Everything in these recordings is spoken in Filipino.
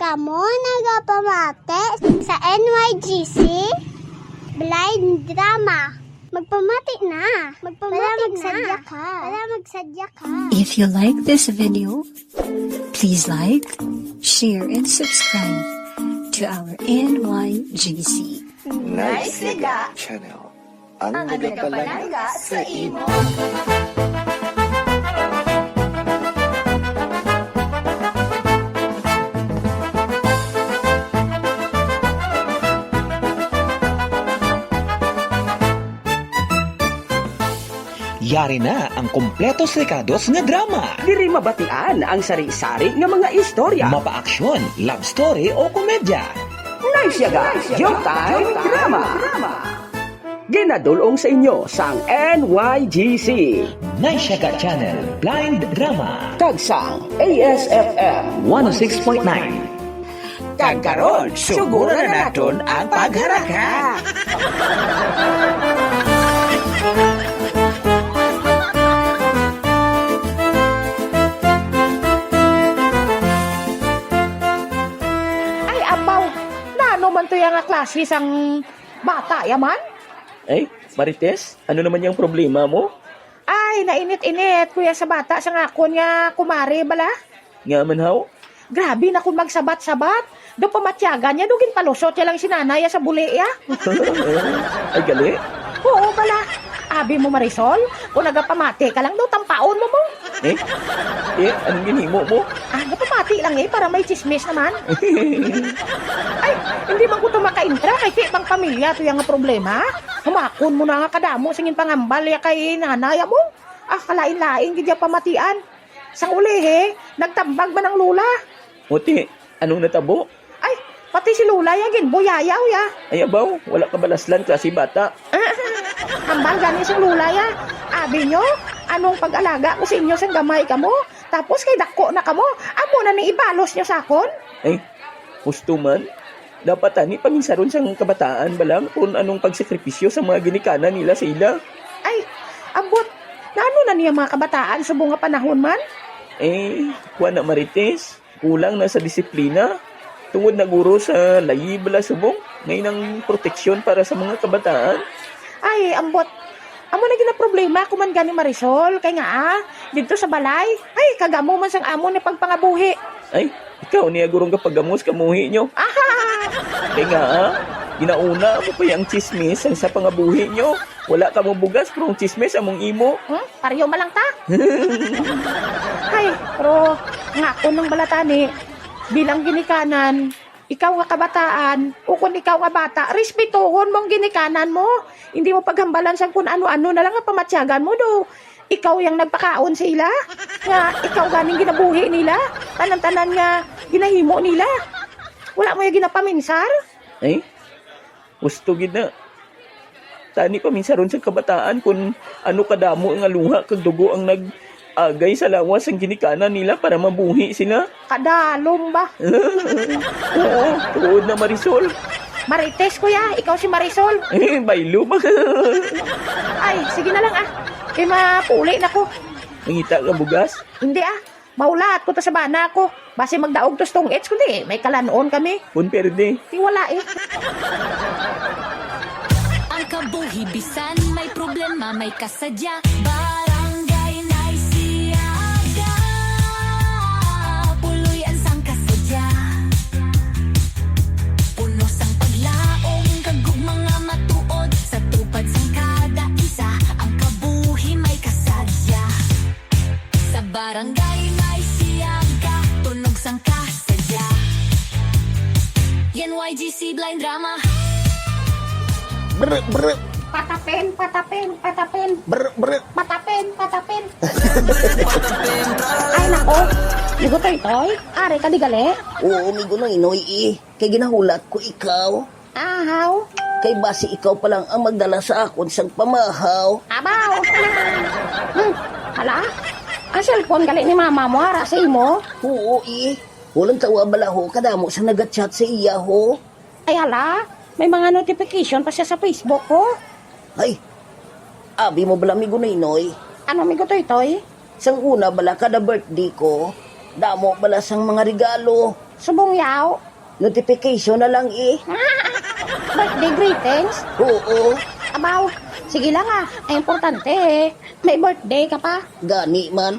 Kamo nagapamate sa NYGC Blind Drama. Magpamati na. Magsadya ka. If you like this video, please like, share, and subscribe to our NYGC Nice Liga Channel. Ang nagapalaga sa imo. Yari na ang kompletos rekados nga drama. Diri mabatian ang sari-sari nga mga istorya. Mapa-aksyon, love story o komedya. Nice yaga, Showtime Drama. Ginadulong sa inyo sang NYGC. Naisyaga Channel Blind Drama. Tagsang ASFM 106.9. Kagkaron, suguro na naton ang pagharaka. Ay, abaw, nano man to yung klase sang bata yaman? Ay, Marites, ano naman yung problema mo? Ay, nainit-init, kuya sa bata sa ngakon nga kumari bala. Nga man haw? Grabe na kung magsabat-sabat. Do pamatyagan niya, dugin palusot niya lang sinanaya sa buli ya. Ay, gali? Oo bala. Abi mo Marisol, kung nagapamati ka lang daw, tampaon mo mo. Eh, anong ginhimo mo? Ah, napamati lang para may chismis naman. Ay, hindi man ko ito makaintra kay pang pamilya ito yung problema. Humakon mo na nga kadamo, singin pangambal ya kay nanaya mo. Ah, kalain-lain, gidya pamatian. Sa uli nagtambag man ang lula. Muti, anong natabo? Ay, pati si lula yagin, buyayaw ya. Ay, abaw, wala ka balaslan klase bata. Hambal gani sa lula ya. Abi nyo, anong pag-alaga ko sa inyo sa gamay ka mo? Tapos kay dako na ka mo, amo na ni ibalos nyo sa akon? Ay, gusto man. Dapat ani paminsaron sa kabataan balang kung anong pagsakripisyo sa mga ginikanan nila sa ila. Ay, abot, naano na niya mga kabataan sa bunga panahon man? Eh, kuha na Marites, kulang na sa disiplina. Tungod na guro sa layi bala subong, ngayon ang proteksyon para sa mga kabataan. Ay, ambot. Amo na gina problema kuman gani Marisol. Kay nga dito sa balay. Ay, kagamo man sang amo ni pagpangabuhi. Ay, ikaw niya gurong kapagamos kamuhi nyo. Aha! Kaya nga, ginauna mo pa yung chismis ang sa pangabuhi nyo. Wala ka mong bugas, pero ang chismis among imo. Pariyo malang ta. Ay, pero nga ko nung balatani, bilang ginikanan, ikaw nga kabataan, o kung ikaw nga bata, respetuhon mong ginikanan mo. Hindi mo paghambalan sa kung ano-ano na lang ang pamatsyagan mo do. Ikaw yung nagpakaon sa ila. Nga, ikaw ganing ginabuhi nila. Tanan-tanan nga ginahimo nila. Wala mo yung ginapaminsar? Ay, gusto gina. Tani pa minsan ron sa kabataan kung ano kadamo nga luha kag dugo ang nag-agay sa lawas ang ginikanan nila para mabuhi sila. Kadalom ba? Oo, tuod na Marisol. Marites, kuya. Ikaw si Marisol. Eh, baylo ba? Ay, sige na lang Kaya mapuli na ko. Mangita ka bugas? Hindi Maulat ko to sa bana ko. Base magdaog to stong ets kundi may kalanoon kami. Pun perde. Tiwala Ang kabuhi bisan may problema may kasadya. Barangay Naisiaga. Puloy ang sang kasadya. Puno sang paglaong kagug mga matuod sa tupad sang kada isa. Ang kabuhi may kasadya. Sa barangay Naisiaga, tunog sang kasadya. NYGC Blind Drama. Patapin. Patapin. Ay nako. Ligo toy. Are ka di gali? Oo, migo nang inoy Kay ginahulat ko ikaw. Ahaw. Kay base ikaw pa lang ang magdala sa akon sang pamahaw. Abaw. Hala? Ang cellphone gali ni mama mo ara sa imo? Oo, Walang tawa balaho kadamo sa nagatchat sa iya ho. Ay hala? May mga notification pa siya sa Facebook ko. Ay, abi mo bala migo na inoy. Ano migo toy? Sang una bala kada birthday ko, damo bala sang mga regalo. Subong yaw. Notification na lang eh. Birthday greetings. Oo, Abaw, sige lang ah. Ay, importante eh. May birthday ka pa. gani man.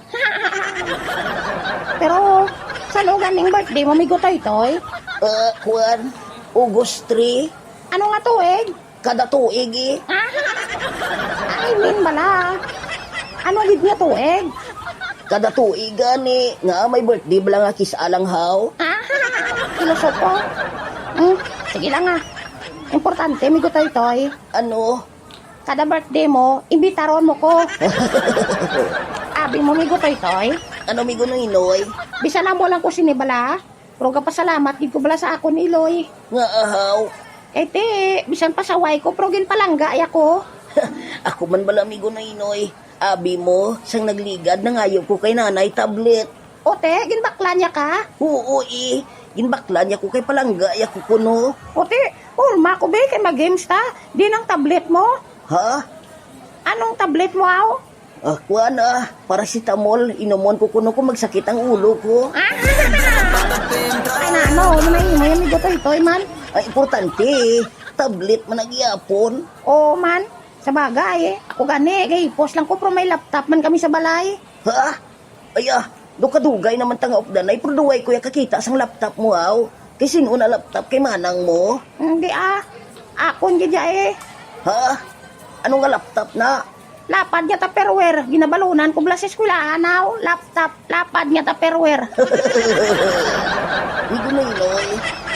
Pero, saan o ganing birthday mo, migo toy-toy? Kuan, August 3, Ano nga tuig? kada tuig eh. I mean bala. Ano gid nga tuig? Kada tuig gani, nga may birthday bala nga kisalang haw. Filosopo. Sige lang ah. Importante, migo toy-toy. Ano? Kada birthday mo, imbitaron mo ko. Abi mo, migo toy-toy. Ano migo ng inoy? Bisa na mo lang ko sinibala. Pero kapasalamat, gid ko bala sa ako ni Iloy. Nga ahaw. Eh te, bisan pasaway ko, pero ginpalangga ay ako. Ako man bala migo ng inoy. Abi mo, sang nagligad na ngayon ko kay nanay tablet. O te, ginbakla niya ka? Oo eh. Ginbakla niya ko kay palangga ako kuno. O te, urma ko be, kay mag-games ta. Di ng tablet mo. Ha? Anong tablet mo aw? Kuan paracetamol. Inomon ko kuno ko magsakit ang ulo ko. Ay na ano, lumayin mo yan, migo toy-toy man. Ay, importante eh. Tablet man nagyapon. O man, sa bagay ako gani, kay post lang ko pero may laptop man kami sa balay. Ha? Do kadugay naman tanga updan ay produway ko ya kakita sang laptop mo aw. Kay sino na laptop kay manang mo? Hindi akon gid eh. Ha? Ano nga laptop na? Lapad niya tupperware, ginabalunan ko bala sa eskwelahan aw. Lapad niya tupperware. Hindi ko na inoy.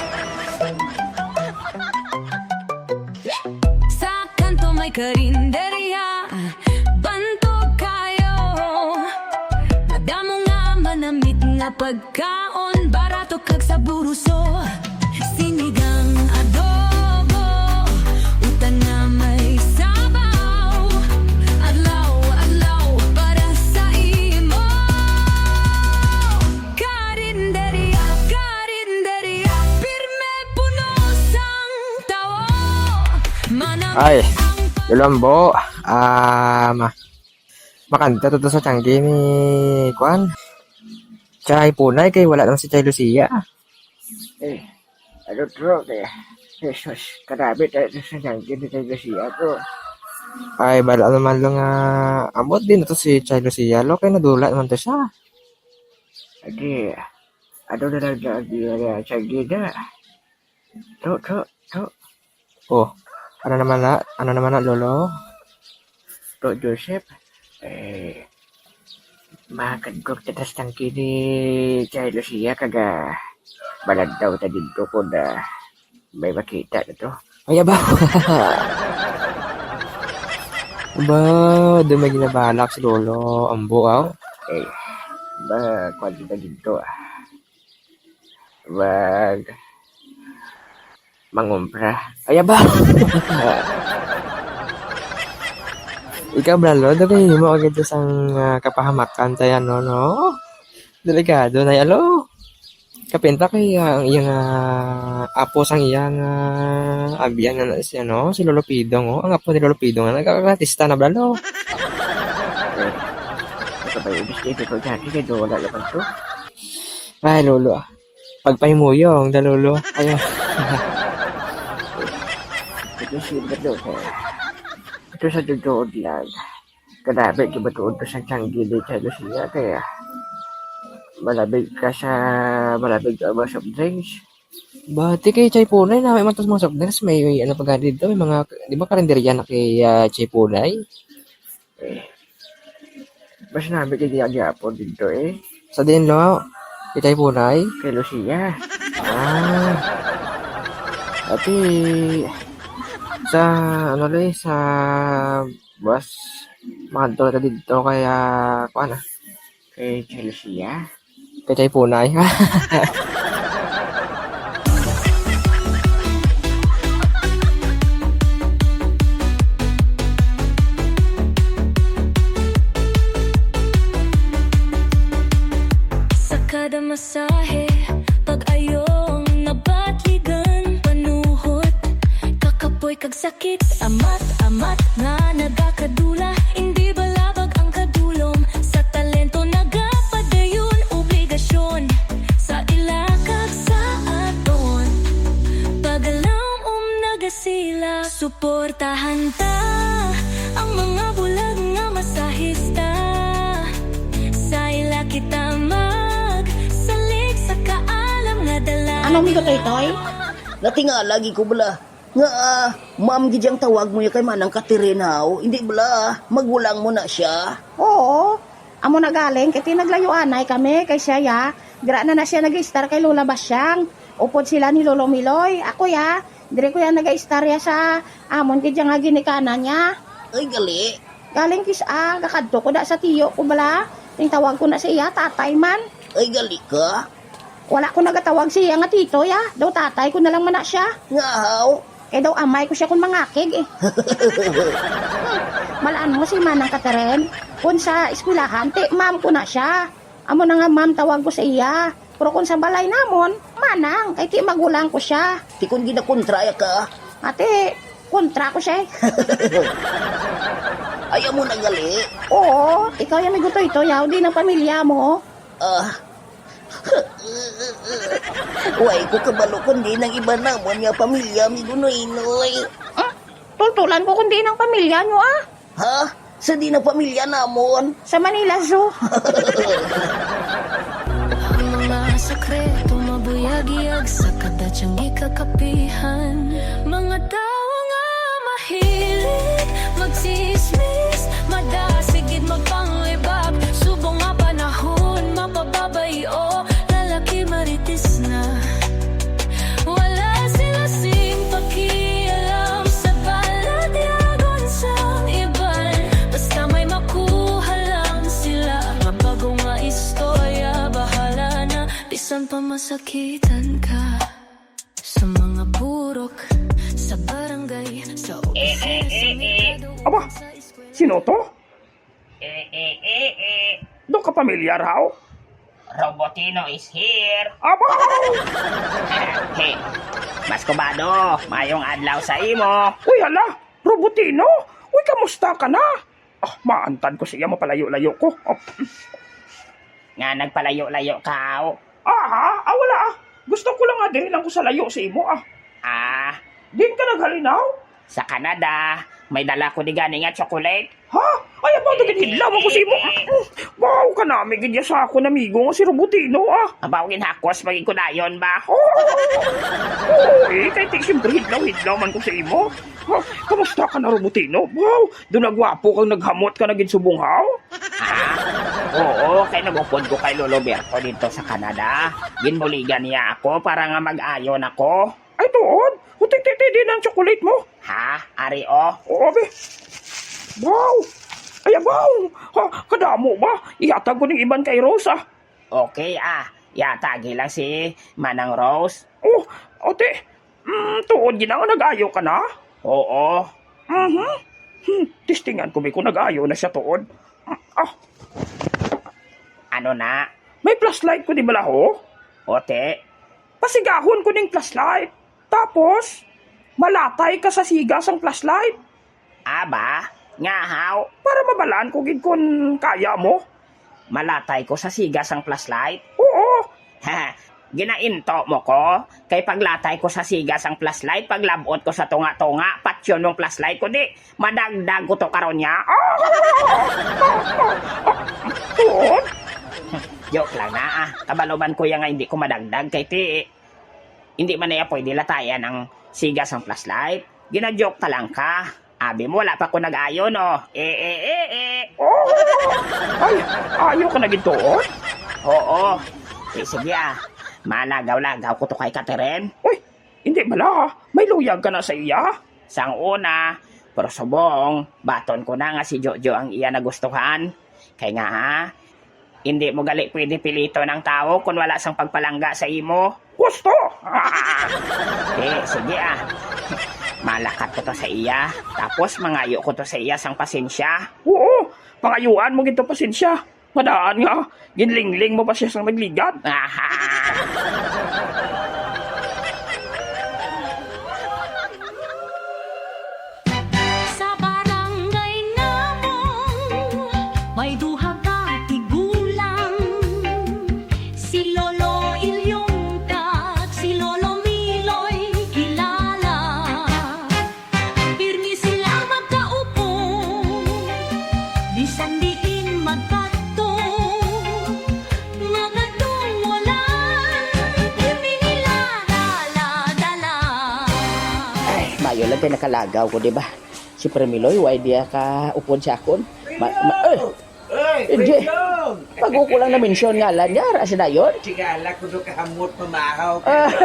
Sa kanto may karinderya, bantog kayo. Madamo nga manamit nga pagkaon, barato kag sa buruso. Sinigang adobo, utan nga may sabaw. Adlaw para sa imo. Karinderya, pirme puno sang tao. Ay, Yolombo, makanta to sa tanggi ni Kwan. Chay punay kay wala naman si Chay Lucia. Ano to kaya? Jesus, karabit sa tanggi ni Chay Lucia to. Ay, bala naman lang amot din to si Chay Lucia. Lo kay nadula naman to siya. Adi, ano na lang na tanggi na. To. Oh. Ano naman na, Lolo? To, Joseph? Makagkog tatas tangki ni Chay Lucia kaga balad daw ta dito ko na may makita na to. Ay, ba? Ba, doon may ginabalak si Lolo. Ang buaw? Ba, kwanto na dito Wag mangumpra. Ay, ba? Ikaw, Bralo, dagay mo agad sang kapahamakan tayo, no? Delikado na alo. Kapinta kay ang iyang apo sang iyang abiyan na siya, no? Si Lolo Pidong, oh. Ang apo ni Lolo Pidong na nagkakatista na, Bralo. Ito ba yung bisito ko dati kay wala naman to? Ay, Lolo. Pagpahimuyong, da Lolo. Ayun. Ito siya ba doon, ito sa tutuod lang. Kadabi, di ba tuod to sa tiyanggi di Chay Lucia, kaya malabig ka ba soft drinks? Bati kay Chay Punay na may mga soft drinks, may ano pa dito, may mga, di ba karinderya na kay Chay Punay? Mas namin kay Diagyapo dito Sa din lo, kay Chay Punay? Kay Lucia. Ati, sa bus makadto ka dito kaya kuan kay Chelsea kay Chay Punay. Sa kada masahe, pag-ayong nabatligan, panuhot kakapoy kag sakit, amat nga nagakadula, hindi balabag ang kadulom, sa talento nagapadayon, obligasyon sa ilakag sa Suportahan ta ang mga bulag nga masahista. Sa ila kita magsalig sa kaalam nga dala. Anong migo toy? Natinga lagi ko bala. Nga ma'am gidyang tawag mo ya kay manang Catherine haw. Hindi bala, magulang mo na siya. Oo. Amo na galing, kaya tinaglayuanay kami kay siya ya. Gra na siya nag-star kay Lola Basyang. Upod sila ni Lolo Miloy. Ako ya, dire ko ya nag-star ya sa amon kaya nga ginikanan niya. Ay gali. Galing kakadto ko da sa tiyo ko bala. Ting tawag ko na siya, tatay man. Ay gali ka. Wala ko nagatawag siya nga tito ya. Daw tatay ko na lang man na siya. Nga haw. Eh daw amay ko siya kung mangakig eh. Malaan mo si Manang Catherine. Kung sa eskwelahan, ma'am ko na siya. Amo na nga ma'am tawag ko sa iya. Pero kung sa balay namon, manang, kay ti magulang ko siya. Ti kun ginakontra ya ka. Ate, kontra ko siya eh. Ayaw mo na gali. Oo, ikaw yung may guto ito, yaw din ang pamilya mo. Uy, ko kabalo kundi ng iba namon nga pamilya mi gunoy-noy. Tultulan ko kundi ng pamilya nyo ah. Ha? Sa di na pamilya namon. Sa Manila Zoo. Ang mga sekreto mabuyag-iyag sa kadatsang ikakapihan. Mga tao nga mahilig magsismis, madasigid magpangibab. Subong nga panahon mapababayo, lalaki maritis na. Wala sila sing pakialam sa balad yagon sa iban. Basta may makuha lang sila. Nga bago nga istorya, bahala na. Bisan pa masakitan ka. Sa mga burok, sa barangay, sa opisina, sa merkado, Aba, sa eskwela. sino to? Doon ka pamilyar haw? Robotino is here. Aba! Hey, mas kubado, mayong adlaw sa imo. Uy, hala! Robotino! Uy, kamusta ka na? Maantan ko siya, mapalayo-layo ko. Nga nagpalayo-layo ka. Wala Gusto ko lang nga din lang ko sa layo sa imo Din ka naghalinaw? Sa Canada, may dala ko di gani nga chocolate. Ha? Ay, ba ito ginhidlaw ako sa imo? Wow, ka namin ganyan sa ako namigo nga si Robotino Abawin hakos, maging kunayon ba? Kay ti siyempre hidlaw man ko sa imo. Kamusta ka na, Robotino? Wow, doon nagwapo kang naghamot ka na ginsubunghaw? Oo, kay nagupod ko kay Lolo Berto dito sa Canada. Ginbuligan niya ako para nga mag-ayon ako. Ay, tuon? Hutik-titi din ang chocolate mo? Ha? Ari o? Oo, be. Wow! Ay, wow! Kadamo ba? Ihatag ko ng iban kay Rose, Okay, yatagi lang si Manang Rose. Ote. Tuon gina nga nag-ayo ka na? Oo. Tistingan ko, kung nag-ayo na siya tuon. Ano na? May flashlight ko di bala ho? Ote? Pasigahon ko ng flashlight. Tapos, malatay ka sa sigas ang flashlight. Aba? Nga haw? Para mabalaan ko gid kung kaya mo. Malatay ko sa sigas ang flashlight? Oo. Ginainto mo ko? Kay paglatay ko sa sigas ang flashlight, paglabot ko sa tunga-tunga, patsyon mong flashlight ko di, madagdag ko to karon niya. Tuon? Joke lang na Kabaluman ko yang nga hindi ko madagdag kay ti. Hindi man na pwede latayan ang sigas ang flashlight. Gina-joke ka lang ka. Abi mo, wala pa ko nag-ayo, no? Ay, ayaw ka na gintuon? Oo. Sige Malagaw-lagaw ko to kay Catherine. Uy, hindi bala. May luyag ka na sa iya. Sang una, pero subong, baton ko na nga si Jojo ang iya nagustuhan. Kaya nga hindi mo gali pwede pilito ng tao kung wala sang pagpalangga sa imo. Gusto! Sige Malakat ko to sa iya. Tapos mangayo ko to sa iya sang pasensya. Oo, pangayuan mo ginto pasensya. Madaan nga, ginlingling mo pa siya sang nagligad. Sa barangay namon, may duha ka tigulang. Si Lolo Ilyong at si Lolo Miloy kilala. dayo lang kay nakalagaw ko, di ba? Si Premiloy, why di ka upod sa akon? Hindi. Pag ko lang na mention nga lang niya, rasa na yun. Sigala ko do kahamot mamahaw.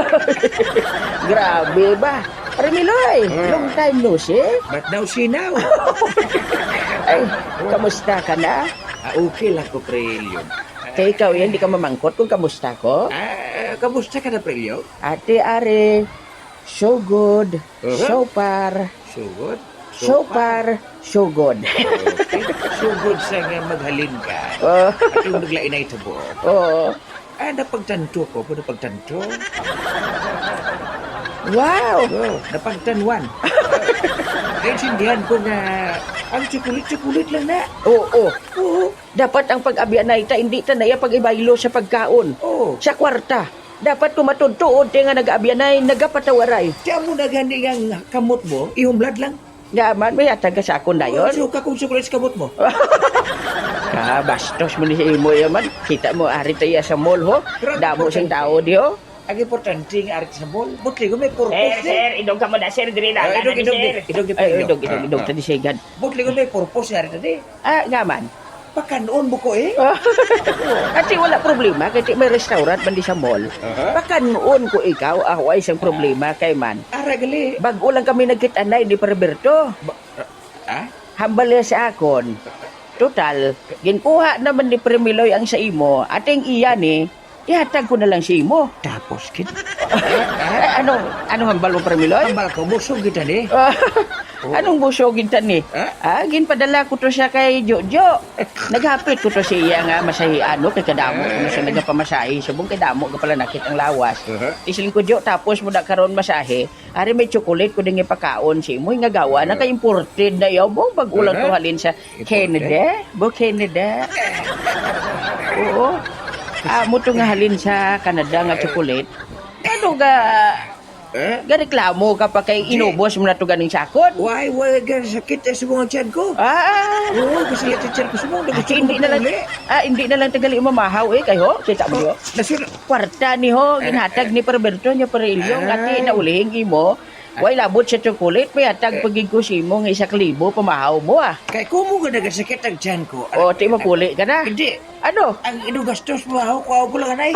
Grabe ba? Premiloy, long time no see. But now see now. Ay, kamusta ka na? Okay lang ko, Prelyon. Kaya ikaw yan, di ka mamangkot kung kamusta ko. Kamusta ka na, Prelyon? Ate Are, so good, so far, So good. so far, so good. Okay. So good sa nga maghalin ka. Oh, At yung naglain na ito po. oh. Napagtanto ko po, napagtanto. Wow! Napagtanuan. Naintindihan ko na ang tsukulit-tsukulit lang na. Oo. Dapat ang pag-abyan na ita, hindi ta na iya pag-ibaylo sa pagkaon. Oo. Sa kwarta. Dapat kumatudtuod nga nag-abyan ay nagapatawaray. Tiyan mo na gani ang kamot mo, ihumlad lang. Yaman, may atag ka sa akon na yun. So, kakong tsukulit sa kamot mo. Bastos mo ni sa imo yaman. Kita mo, ari tayo sa mall ho. Damo siyang tao di ho. Ang importante ng arit sa mall, butli ko may purpose. idog ka mo na, sir. Diri na. Idog. Idog. Tadi sigad. Butli ko may purpose ng arit na di. Ngaman. Pakanoon mo ko eh. Kasi wala problema. Kasi may restaurant man di sa mall. Baka noon ko ikaw, ako ay isang problema kay man. Aragali. Bago lang kami nagkitanay di Perberto. Hambal niya sa akon. Total, ginkuha naman ni Premiloy ang sa imo. Ating iya ni, ihatag ko na lang sa imo. Tapos, kid. Anong hambal mo Premiloy? Ambal ko, busog kita ni. Anong busogin ta ni? Ginpadala ko to siya kay Jojo. Naghapit ko to siya nga masahian no kay kadamo kung siya nagapamasahe subong kay damo ka pala nakit ang lawas. Isilin ko Jo tapos mo na karon masahe. Ari may chocolate ko ding ipakaon si mo nga gawa na kay imported na yaw mo bag-ulang ko halin sa Canada. Canada. Oo. Mo to nga halin sa Canada nga chocolate. Ano ga gareklamo ka pa kay inubos mo na to ganing sakot. Why, sakit sa mga tiyan ko. Oo, kasi yung tiyan ko sumong. Hindi na lang tagali mamahaw kay ho. Kita mo yo. Kwarta ni ho, ginhatag ni Perberto niya Perelyong ati na ulihing imo. Way labot sa chocolate, may hatag pagig ko si mo nga 1,000 pamahaw mo Kay kumo ka nagasakit ang tiyan ko. Ti makuli ka na. Hindi. Ano? Ang inugastos mo ako lang anay.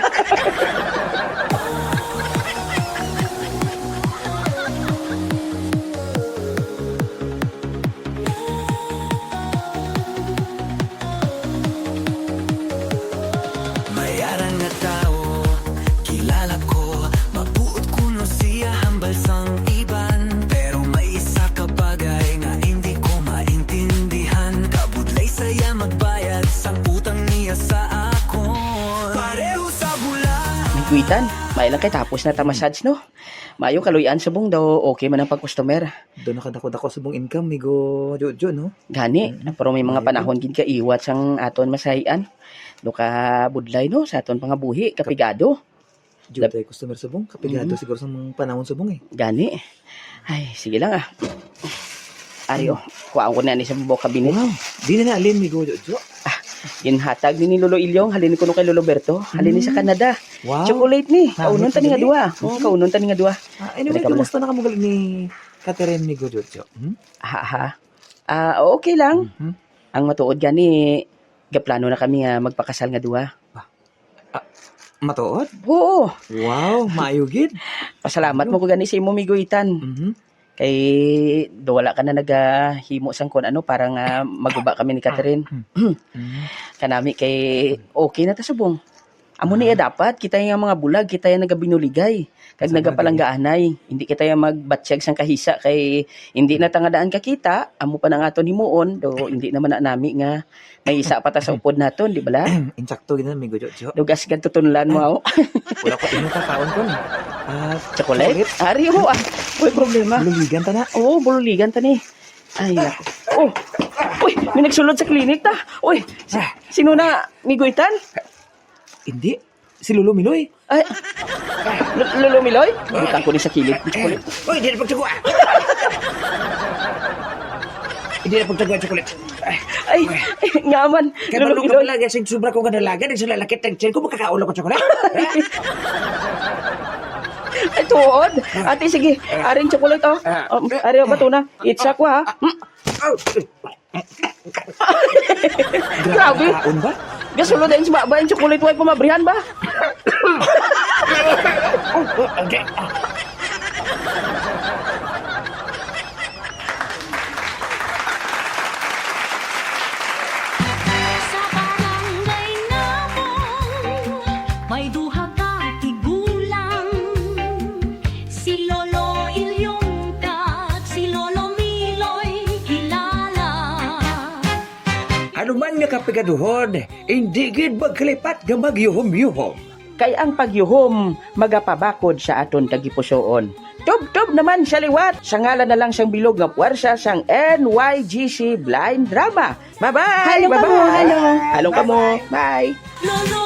Mayarang na tao, kilala ko. Mabuot kuno siya hambal sang iban. Pero may isa ka bagay nga hindi ko maintindihan. Kabudlay saya magbayad sang utang niya sa akon. Pareho sa bulan. Migwitan, may lang kay tapos na ta massage no. Mayo kaluyan subong daw okay man ang pag-customer. Doon nakadako sa mong income, migo Jojo, no? Gani, pero may mga panahon gid ka iwat sang aton masahian. Do ka budlay no sa aton pangabuhi kapigado. Jojo tayo customer sa mong, kapigado siguro sa mga panahon sa mong eh. Gani. Ay, sige lang Ari kuhaan ko na ni sa bubok kabinet. Wow, di na naalin, migo Jojo. Ginhatag ni Lolo Ilyong, halin ko no kay Lolo Berto, halin ni sa Canada. Wow. Chocolate ni. Kaunon Sa tani nga dali? duwa. Kaunon tani nga duwa. Anyway, Teka, kumusta na kamugal ni Catherine, migo Jojo? Okay lang. Ang matuod gani gaplano na kami nga magpakasal nga duwa. Matuod? Oo. Wow, maayugid. Pasalamat mo ko gani sa imo miguitan. Kay wala ka na naghimo sang kon ano para nga maguba kami ni Catherine. Kanami kay okay na ta subong. Amo niya dapat kita yung mga bulag, kita yung nagabinuligay. Kag nagapalanggaanay, hindi kita yung magbatsyag sang kahisa kay hindi na tangadaan kakita, amo pa nang ato himuon do hindi naman na nami nga may isa pa ta sa upod naton, di bala? Insakto gina, migo Jojo. Dugas gan tutunlan mo. Wala ko ino kakaon ko ni. Chocolate? Ari ho Uy, problema. Bululigan ta na. Oo, bululigan ta ni. Ay, nako. Uy, may nagsulod sa klinik ta. Uy, sino na? Miguitan? Hindi. Si Lolo Miloy. Ay, Lolo Miloy? Butang ko ni sa kilid. Uy, di na pagtagwa. Hindi na pagtagwa chocolate. Ay, ngaman. Kaya Lolo malungkot Miloy. lang yung sobra kong kadalaga. Yung sila lakit ng tiyan ko, makakaulaw ko chocolate. Ay, tuod. Ate, sige. Aring chocolate, oh. Ari, ba ito na? Itsa ko, ha? Grabe. Kaon ba? Gasulo din sa ba yung chocolate white pamabrihan ba? Sa barangay namong may duha ka tigulang, si Lolo Ilyong kag si Lolo Miloy kilala. Ano man nga kapigaduhon, hindi gid magkalipat nga magyuhom-yuhom. Kay ang pagyuhom, magapabakod sa aton kagipusoon. Tub-tub naman sa liwat. Sa ngalan na lang siyang bilog nga puwersa sang NYGC Blind Drama. Bye-bye! Halo ka mo, halo. Halo ka mo. Bye! Lolo